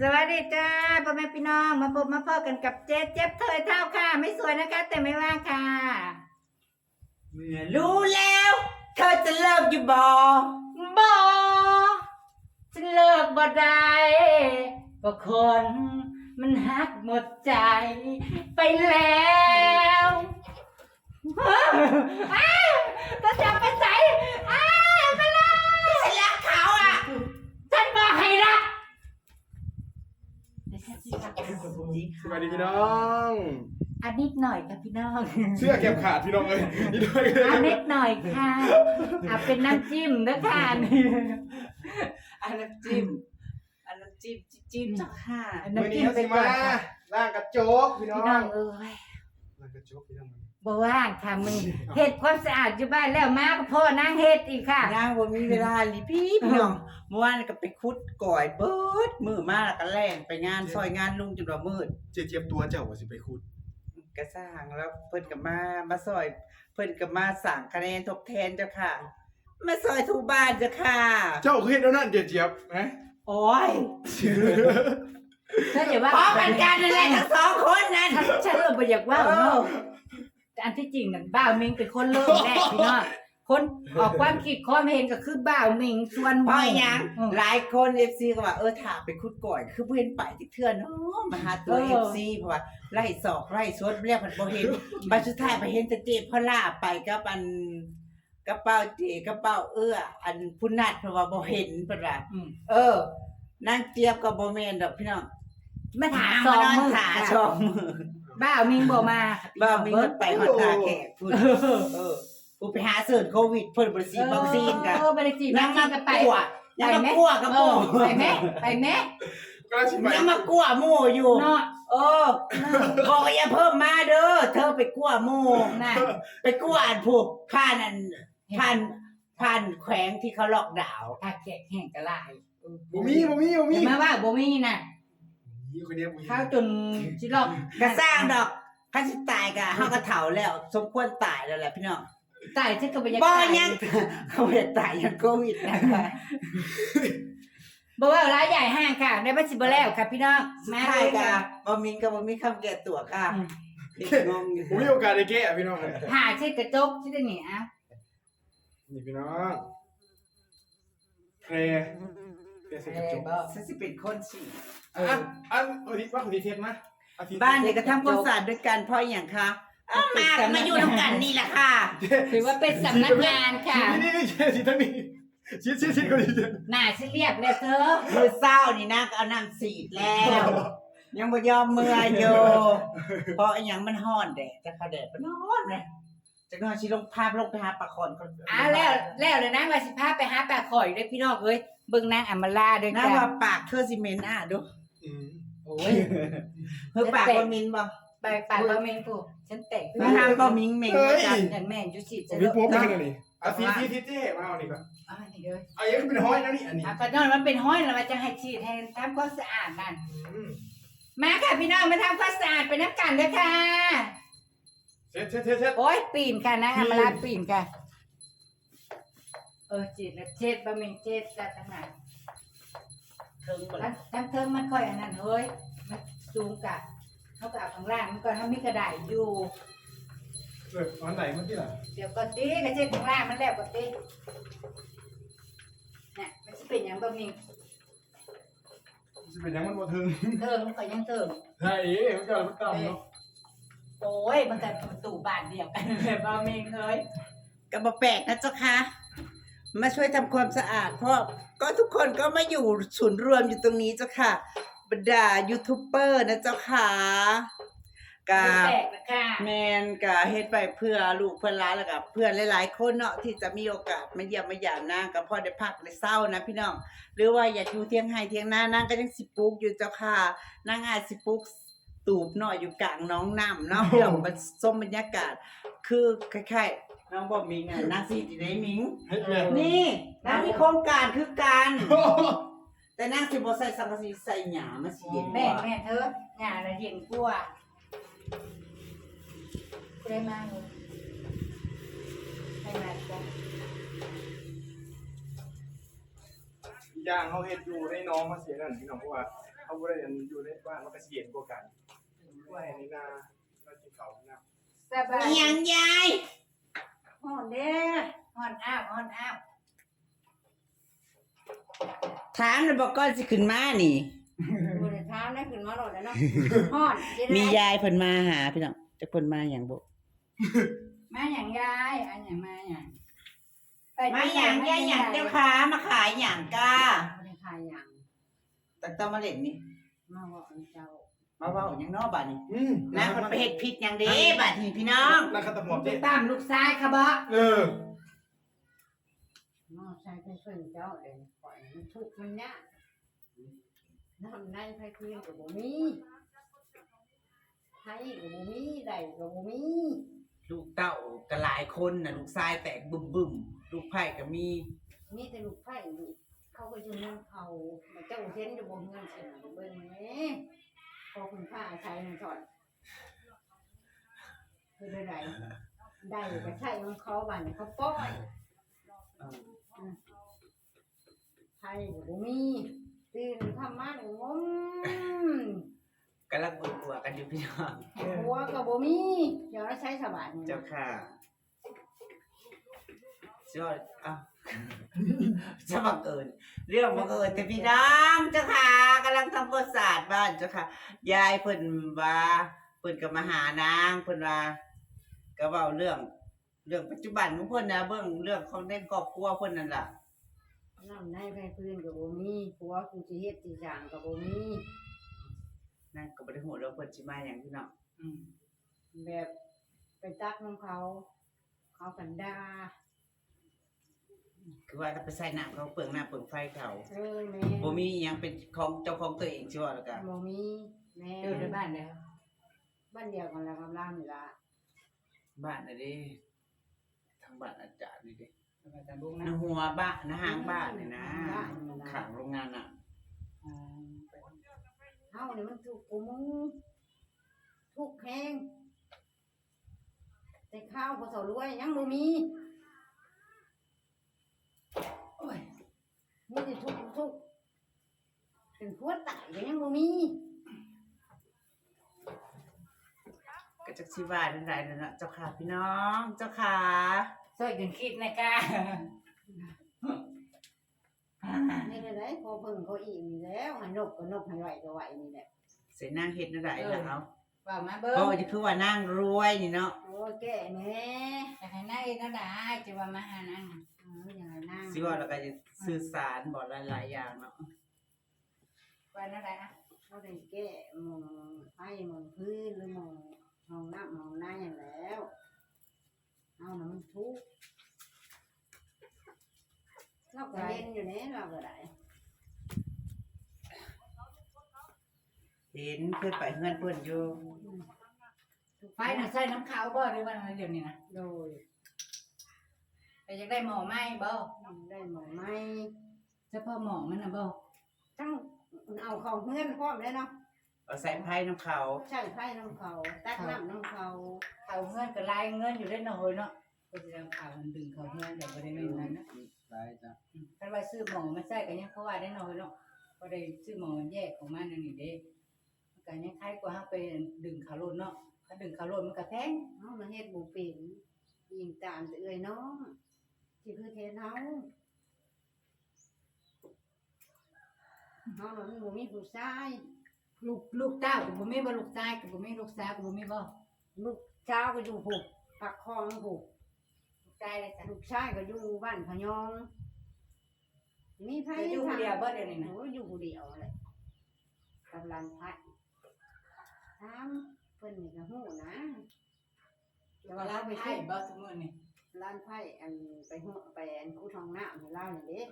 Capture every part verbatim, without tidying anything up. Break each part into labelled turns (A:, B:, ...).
A: สวัสดีจ้าพ่อแม่พี่น้องมาพบมาพ่อกันกับเจ๊เจ็บเธอเท่าค่ะไม่สวยนะคะแต่ไม่ว่างค่ะเมื่อรู้แล้วเธอจะเลิกอยู่บ่บ่จะเลิกบ่ได้ก็คนมันหักหมดใจไปแล้วก็จะไปใส่อ้าวไปเลยฉันรักเขาอ่ะฉันบอกให้รัก
B: สวัสดีพี่น้อง
A: อันนิดหน่อยค่ะพี่น้อง
B: เสื้อเก็บขาดพี่น้องเลยนี่ด้วย
A: อันนิดหน่อยค่ะเอาเป็นน้ำจิ้มนะค่ะนี่
C: อันน้ำจิ้มอันน้ำจิ้มจิ้มเจ้าค่ะ
A: อัน
B: วัน
A: น้ำ
B: นี้
A: จิ้ม
B: เขา
A: ไป
B: สิ
A: ก่อ
B: มาน
A: ค่ะ
B: ล่างกระโจกพี่น้อง
A: พี่น้องเอ้ย
B: ล่างกระโจกพี่น้อง
A: บ่ว่างค่ะมึงเฮ็ดความสะอาดอยู่บ้านแล้วมาก็พ่อนางเฮ็ดอีกค่ะ
C: นางบ่มีเวลาลิพี่พี่น้องเมื่อวานก็ไปคุดก่อยเบิดมือมาแล้วก็แล่นไปงานซอยงานลุงจนว่ามืด
B: เจี๊ยบตัวเจ้าว่าสิไปคุด
C: กระสร้างแล้วเพิ่นก็มามาซอยเพิ่นก็มาสั่งคะแนนทดแทนเจ้าค่ะ มาซอยทูบ้านเจ้าค่ะ
B: เจ้าเคยเห็นแล้วนั่นเจี๊ยบนะ
C: โอ้ย
A: ถ้าอย่าว่า
C: พร้อมกันกันนั่นแหละทั้งสองคนนั่น
A: ฉันฉันเริ่มบ่อยากว่า
C: เออ
A: เนาะอันที่จริงนั่นบ่าวมิงเป็นคนเริ่มแรกพี่น้องคนออกความคิดความเห็นก็คือบ่าวมิงส่วน
C: เพราะหยัง
A: อืม
C: หลายคน เอฟ ซี ก็ว่าเออถ้าไปคุดก่อยคือบ่เห็นไปที่เทื่อเนาะมาหาตัว
A: เออ
C: เอฟ ซี เพราะว่าไล่ศอกไล่สดเรียกมันบ่เห็น บัดสุดท้ายไปเห็นแต่เจ็บพล่าไปกับอันกระเป๋าเจกระเป๋าเอื้ออันผู้นัดเพราะว่าบ่เห็นเพิ่นว่า
A: อืม
C: เออนางเจี๊ยบก็บ่แม่นดอกพี่น้อง
A: มาถาม
C: น
A: สอง
C: นอน
A: มือ
C: ขา
A: ค่ะ
C: สองมือ
A: บ้าวมิงบ่มา
C: บ่มีเงินไปฮอดทาแขกพุ่นเออผู้ไปหาเสิร์ชโควิดเพิ่นบ่ได้ฉีดวัคซีนกัน
A: เออไปได้ฉีดวั
C: ยั
A: ค
C: ง
A: ซี
C: มาน
A: กัน
C: ก
A: ไป
C: ลัวยังมากลัวกับ
A: เอ
C: โม่
A: อไปแม่ไปแม่
B: ก็ชิมไป
C: ยังมากลัวโม่อยู่
A: เนาะ
C: เออบอกอย่าเพิ่มมาเด้อเธอไปกลัวโม่
A: น่ะ
C: ไปกลัวอันพวกผ่านอันผ่านผ่านแขวงที่เขาล็อกดาวน์
A: ถ้าแขกแห้งกะลาย
B: บ่มีบ่มีบ่มี
A: อย่ามาว่าบ่มีน่ะ
B: มีคนเดียวบ่มี
A: ข้าวจนสิลอก
C: ก็สร้างดอกคันสิตายก็เฮาก็เฒ่าแล้ว สมควรตายแล้วแหละพี่น้อง
A: ตายที่ก็บ่อยาก
C: บ่
A: ตาย
C: ยังเขาบ่ได้ตายยังโควิดนะคะ
A: บ่ว่าร้ายใหญ่ห้างค่ะได้บ่สิบ่แล้วค่ะพี่น้อง
C: สุด
A: มา
C: ท้าย
A: เลย
C: ก็
A: ค่ะ
C: บ่มีก็บ่มีคำแก้ตัวค่ะ
A: อืม
C: เด็กงงอยู่
B: ผมมีโอกาสได้แก้พี่น้อง
A: หาเช็ดกระจกที่ได้นี่อ่ะ
B: นี่พี่น้องแพรแพรใส่กระจก
C: ฉันสิเป็นคนสิ
B: อันอันอาทิตย์ว่าคนที่เทศนะอาทิตย์
C: บ้านเนี่ยก็ทำความสะอาดด้วยกันเพราะหยังคะเอ้ามาก็มาอยู่นำกันนี่แหละค่ะ
A: ถือว่าเป็นสำนักงานค่ะ
B: นี่นี่นี่สิทั้งนี้ชิดชิดชิดคนนี้
A: หน้าสิเรียบแล้วเธอ
C: มื้อเช้านี่นะก็เอาน้ำสีดแล้ว ยังบ่ยอมเมื่อยอยู่เพราะอีหยังมันร้อนแดดจะเขาแดดมันร้อนเลยจักหน่อยสิลงพาลงไปหาปลาคอนก่อน
A: อ่ะแล้วแล้วเลยนะว่าสิพาไปหาปลาข่อยด้วยพี่น้องเอ้ยเบิ่งนางอำมาลาด้วย
C: น้า
A: จ้ะ
C: ว่าปากเธอสิเหม็นอ่ะดู
B: อืม
A: โอ้ย
C: เฮ้ยปากบ่มินบ่
A: ไปปลาบะเมงกูฉันแต่ง
C: มาทางก็มิงเมงว่าจัง
A: ฉันแม่นอยู่สิ
B: ผ
A: จะ
B: ม
A: เลิ
B: มี
A: ก
B: โป๊บไปกันนี่อาทิตย์ที่ทิศเจ้มาเอานี่ก่อน
A: อ่านี่เด้อ
B: เอาอย่างนี้เป็นห้อยนะนี่อันนี้
A: อ่ะก็นอนมันเป็นห้อยแล้วมันจะให้ฉีดให้ทำความสะอาดนั่น
B: อืม
A: มาค่ะพี่น้องมาทำความสะอาดไปน้ำกันเด้อค่ะ
B: เช็ดเช็ดเช็ดเช็ด
A: โอ้ยปีนค่ะนางอำมาลาปีนค่ะ เออจีดแล้วเจ็ดบะเมงเจ็ดจัดทั้งนั้น
C: เทิงบ่
A: ทั้งทั้งเทิงมันค่อยอันนั้นเฮ้ยมันสูงกะเขากะข้างล่างมันก็ทำมีกระดาษอยู่
B: เอออันไหนเมื่อกี้ล่ะ
A: เดี๋ยวก็ตีกระเจ็ดข้างล่างมันแล้วก็ตีเนี่ยมันจะเป็นอย่างบะเมง
B: จะเป็นยังมันบ่ถึง
A: เทิงมันก็ยังเทิง
B: ใช่เอ๊ะมันก็มันต่ำเนาะ
A: โอ้ยมันก็ประตูบานเดียวกันเลยบะเมงเฮ้ย
C: ก็บ่แปลกนะเจ้าค่ะมาช่วยทำความสะอาดเพราะก็ทุกคนก็มาอยู่ศูนย์รวมอยู่ตรงนี้เจ้าค่ะบรรดายูทูบเบอร์นะเจ้าค่ะกา
A: แปลกนะค่ะ
C: แมนกะเฮ็ดไปเพื่อลูกเพื่อนหล้านแล้วกับเพื่อนหลายๆคนเนาะที่จะมีโอกาสมาเยี่ยมมาหยามนางก็พอได้พักได้เศร้านะพี่น้องหรือว่าอยากอยู่เที่ยงไห้เที่ยงหน้านางก็ยังสิปลูกอยู่เจ้าค่ะนางอาจสิปลูกตูบเนาะอยู่กลางหน้องน้ำเนาะพี่น้องมันส้มบรรยากาศ คือคล้ายๆน้องบ่มิงอ่ะนางสิที่ได้มิง
B: เฮ็ดแม่
C: นี่นางมีโครงการคือกันแต่นางสิบ่ใส่สังกะสีใส่หญ้ามาสิเย็น
A: แม่
C: กว่า
A: แม่เธอหน้าละเย็นกว่าได้มาเลยให้มาจ้ะ
B: ย่างเขาเฮ็ดอยู่ในน้องมาเสียนั่นพี่น้องเพราะว่าเขาบ่ได้อันอยู่ในบ้านมันก็สิเย็นกว่ากันว่าให้นี่นาเรากินข้าวนะ
A: สบาย
C: อีหยังยาย
A: ฮอนเด้อฮอนอ้าวฮอนอ้าว
C: ถามแล้วบอกก่อนสิขึ้นมานี่
A: บนเท้าได้ขึ้นมาโหลดแล้วเนาะฮอนจะได้
C: มียายเพิ่นมาหาพี่น้องจักเพิ่นมาหยังบ่
A: มาอย่างยายอันอย่างมาอย่างไป
C: มาหยังยายหยังเจ้าค้ามาขายหยังกา
A: ไม่ได้ขายอย่าง
C: ตั้งแต่มาเล่นนี่
A: มาบอกเจ้า
C: มาเว้าหยังเนาะบัดนี้
B: อืม
C: นางเพิ่นไปเฮ็ดผิดหยังเด้บัดนี้พี่น้อง
B: นักขัตำรวจ
A: จะ
B: เด้
A: ตามลูกชายค่ะบ่
B: เออ
A: น้องชายเป็นเพื่อนเจ้าเลยปล่อยมันทุกข์มันยากน้ำในไฟคืนกับบ่มีไทยกับบ่มีใดกับบ่มี
C: ลูกเต้าก็หลายคนน่ะลูกชายแตกบึ้มๆลูกไผ่ก็มี
A: มีแต่ลูกไผ่ลูกเขาก็อยู่เมืองเขามาเจ้าเห็นอยู่บนเงินเสียเบิ่งแหม่พอคุณป้าใช้มันถอดคือได้ใดได้ก็ใช้ของเขาบัดนี้เขาป้อย
C: เออ
A: ไทยกับบ่มีตื่นทำมาหนึ่งงม
C: กำลังปวดหัวกันอยู่พี่น้อง
A: หัวกับบ่มีเดี๋ยวเราใช้สบายนี่
C: เจ้าค่ะชอดอ้าว จะบังเอิญเรื่องบังเอิญแต่พี่น้องเจ้าค่ะกำลังทำความสะอาดบ้านเจ้าค่ะ ยายเพิ่นว่าเพิ่นก็มาหานางเพิ่นว่าก็เว้าเรื่อง เรื่องปัจจุบันของเพิ่นนะเบิ่งเรื่องของในครอบครัวเพิ่นนั่นล่ะ
A: น้ำในไฟพื้นกับบ่มีผัวกูสิเฮ็ดสิสร้างกับบ่มี
C: นั่นก็บ่ได้ฮู้ว่าเพิ่นสิมาหยังพี่น้อง
A: อืมแบบไปตักของเขา เขากันด่า
C: คือว่าถ้าไปใส่น้ำเขาเปลืองน้ำเปลืองไฟเขา
A: เออแม่
C: บ่มีอิหยังเป็นของเจ้าของตัวเองใช่บ่แล้วก็
A: บ่มีแม่
D: อยู่ในบ้านเด้อ
A: บ้านเดียวกันแล้วกับเรานี่ล่ะ
C: บ้านน่ะเด้ทางบ้านอาจารย์นี่เด้
D: บ้านตะบุงนะ
C: นะหัวบ้านนะหางบ้านนี่นะ
A: บ้านนี่ล่ะ
C: ข้างโรงงานน่ะ
D: อ่า
A: เฮานี่มันทุกข์กูมึงทุกข์แฮงแต่ข้าวบ่เท่ารวยยังบ่มีโอ้ยมีแต่ทุกข์ทุกข์เป็นผัวตายก็ยังบ่มี
C: ก็จักสิว่าจังไดนั่นน่ะเจ้าค่ะพี่น้อง เจ้าค่ะ
D: ช่วยกันคิดนะกะ
A: นี่แหละได้พอเพิ่งเขาอีกนี่แล้วให้นกก็นกให้ไหวก็ไหวนี่แหละ
C: เสินางเฮ็ดจังไดล่ะเอา
D: ว่ามาเบิ่ง
C: เพราะว่าจะคือว่านางรวยนี่เนาะ
A: โอ้ยแก่แน่
D: อยากให้นายนั่นได้จะว่ามาหานาง
A: เอออย่างไรนั่ง
C: สิว่าแล้วก็จะสื่อสารบอกหลายๆอย่างเนาะ
D: ว่านั่นได้อะ
A: เขาได้แก่หมองไฟหมองพื้นหรือหมองห้องน้ำหมองน้าอย่างแล้วเอาน่ะมันทุกข์เราก็เย็นอยู่เนี่ยเราก็ได้
C: เห็นเพิ่นไปเฮือนเพิ่นอยู่
D: ไฟน่ะใส่น้ำขาวบ่หรือว่าอะไรเดี๋ยวนี้นะ
A: โดย
D: แต่อยากได้หมอไหมบ่
A: ได้หมองไม้
D: เฉพาะหมอมันน่ะบ่
A: ทั้งเอาของเพื่อนพร้อมเลยเนาะ
C: เอาใส่ไผ่น้ำเขา
A: ใช่ไฟน้ำเขาตักน้ำน้ำเขา
D: เขาเงินก็ลายเงินอยู่ได้หน่อยเนาะก็สิเอาข่าวมันดึงเขาเงินแต่บ่ได้แม่นนั้นนะ
B: ได้จ้ะ
D: คันว่าซื้อหมอมาใส่ก็ยังเขาว่าได้หน่อยเนาะบ่ได้ซื้อหมอแยกของมันนั่นนี่เด้มันก็ยังคล้ายกว่าเฮาไปดึงเขาโลดเนาะถ้าดึงเขาโลดมันก็แพง
A: เอามาเฮ็ดบุเป็นยิงตามแต่เอ้ยน้องที่คือเทนเฮาเฮาน่ะมันบ่มีผู้ชาย
D: ลูกลูกเต้าก็บ่มีบ่ลูกชายก็บ่มีลูกสาวก็บ่มีบ่
A: ลูกเช้าวก็อยู่ผูกปักคลองผูก
D: ลูกชายเลยจ้ะ
A: ลูกชายก็อยู่บ้านพะยอง มีไผ
D: อยู่คนเดียวบ่เดี๋ยวนี้นะ
A: โอ้ยอยู่ผู้เดียวเลยกำลังพัดถามเพิ่นนี่ก็ฮู้นะ
D: แต่ว่าเราไปใช้บ่ทุกมื้อนี่
A: ร้านไผ่อันไปฮู้ไปอันคูทองน้ำให้เล่านี่เด้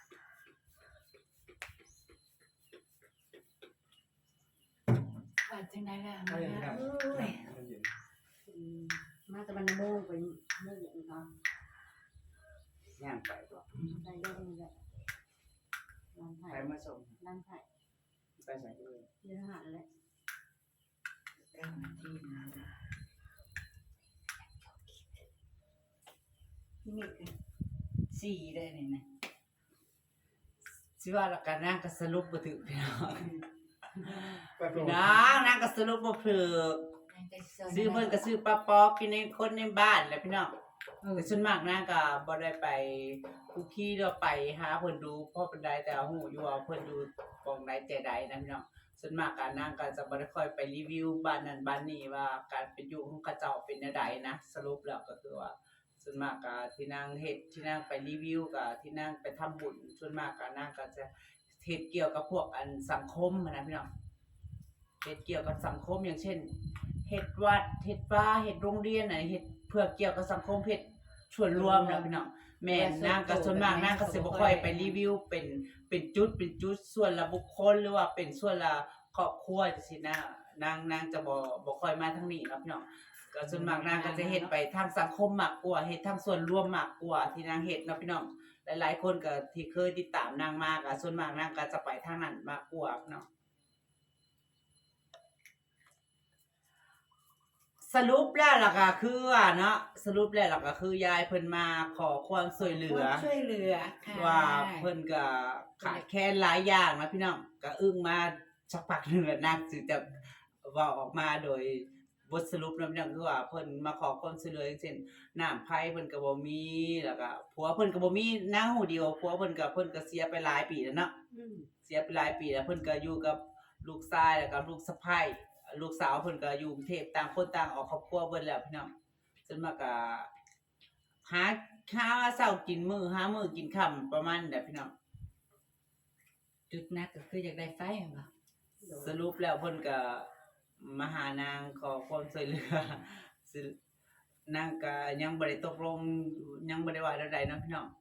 D: ว่าจังได๋ล่ะ
B: เอาอย่างนั้น
D: เอ้ย
B: มันเย็น
A: อืมมาแตะวันโมงไปเมื่ออย่างเขา
C: ย่างไปตัว
A: ได้เรื่องนี้แหละร้านไผ่
C: ไปมาส่ง
A: ร้านไผ่
C: ไปใส่เลย
A: เยอะหันแหละ
C: เก้านาทีนะ
D: นี่คือสี่ได้นี่นะ
C: สิว่าแล้วกันนางก็สรุปบ่ถึงพี่น้อง
B: ไปโปรโมท
C: น้องนางก็สรุปบ่ถูกซื้อเพิ่นก็ซื้อปลาปอกกินในคนในบ้านแหละพี่น้อง
D: เออ
C: แต่ส่วนมากนางก็บ่ได้ไปคุกคีหรือไปหาเพิ่นดูเพราะปานใดแต่ฮู้อยู่ว่าเพิ่นอยู่ปองใดใจใดนะพี่น้องส่วนมากการนางก็จะบ่ได้ค่อยไปรีวิวบ้านนั้นบ้านนี้ว่าการเป็นอยู่ของเขาเจ้าเป็นแนวใดนะสรุปแล้วก็คือว่าส่วนมากก็ที่นางเฮ็ดที่นางไปรีวิวก็ที่นางไปทำบุญส่วนมากก็นางก็จะเฮ็ดเกี่ยวกับพวกอันสังคมอะนะพี่น้องเฮ็ดเกี่ยวกับสังคมอย่างเช่นเฮ็ดวัดเฮ็ดฟ้าเฮ็ดโรงเรียนน่ะเฮ็ดเพื่อเกี่ยวกับสังคมเฮ็ดส่วนรวมนะพี่น้องแม่นนางก็ส่วนมากนางก็สิบ่ค่อยไปรีวิวเป็นเป็นจุดเป็นจุดส่วนละบุคคลหรือว่าเป็นส่วนละครอบครัวจังซี่นะนางนางจะบ่บ่ค่อยมาทางนี้ครับพี่น้องก็ส่วนมากนางก็จะเฮ็ดไปทางสังคมมากกว่าเฮ็ดทางส่วนรวมมากกว่าที่นางเฮ็ดเนาะพี่น้องหลายๆคนก็ที่เคยติดตามนางมาก็ส่วนมากนางก็จะไปทางนั้นมากกว่าเนาะสรุปแล้วล่ะก็คือว่าเนาะสรุปแล้วล่ะก็คือยายเพิ่นมาขอความช่วยเหลือ
D: ความช่วยเหลือค่ะ
C: ว่าเพิ่นก็ขาดแคลนหลายอย่างนะพี่น้องก็อึ้งมาสักพักหนึงแล้วนางสิจะเว้าออกมาโดยบทสรุปนะพี่น้องคือว่าเพิ่นมาขอความช่วยเหลืออย่างเช่นน้ำไผเพิ่นก็บ่มีแล้วก็ผัวเพิ่นก็บ่มีนางหูเดียวผัวเพิ่นก็เพิ่นก็เสียไปหลายปีแล้วเนาะเสียไปหลายปีแล้วเพิ่นก็อยู่กับลูกชายแล้วก็ลูกสะใภ้ลูกสาวเพิ่นก็อยู่กรุงเทพต่างคนต่างออกครอบครัวเบิดแล้วพี่น้องส่วนมากก็หาหาเช้ากินมื้อหามื้อกินค่ำประมาณนั้นแหละพี่น้อง
D: จุดนักก็คืออยากได้ไฟแม่นบ่
C: สรุปแล้วเพิ่นก็มาหานางขอความช่วยเหลือสินางก็ยังบ่ได้ตกลงยังบ่ได้ว่าใดๆเนาะพี่น้อง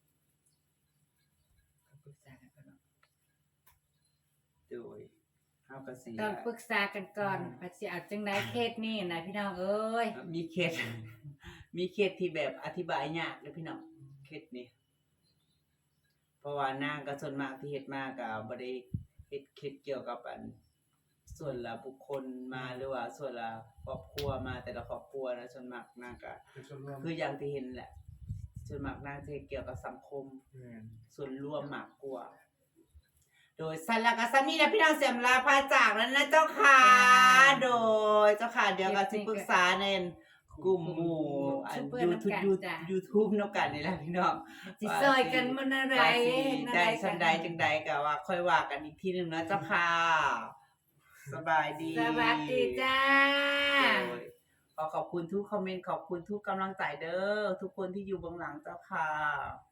D: ปรึกษากันก่อนเนาะ
C: โดยเฮาก็สิ
D: ต้องปรึกษากันก่อนว่าสิเอาจังได๋เคสนี้นะพี่น้องเอ้ย
C: มีเคส มีเคสที่แบบอธิบายยากเด้อพี่น้องเคสนี้เพราะว่านางก็ส่วนมากที่เฮ็ดมาก็บ่ได้เฮ็ดเคสเกี่ยวกับอันส่วนละบุคคลมาหรือว่าส่วนละครอบครัวมาแต่ละครอบครัวนะส่วนมากนางก็
B: เป็นส่วนรวม
C: คืออย่างที่เห็นแหละส่วนมากนางจะเกี่ยวกับสังคม
B: แม่น
C: ส่วนรวมมากกว่า โดยสันละกสันนี่นะพี่น้องเสียมลาพาจากแล้วนะเจ้าค่ะ โดยเจ้าค่ะ เดี๋ยวก็สิปรึกษาในกลุ่มหมู่อัน YouTube YouTube นำกันนี่แหละพี่น้อง
D: สิซอยกันมื้อนั้นใด
C: ว่าสิได้สันใดจังใดก็ว่าค่อยว่ากันอีกทีหนึงนะเจ้าค่ะ สบายดี
D: สวัสดีจ้า
C: โดยขอขอบคุณทุกคอมเมนต์ขอบคุณทุกกำลังใจเด้อทุกคนที่อยู่เบื้องหลังเจ้าค่ะ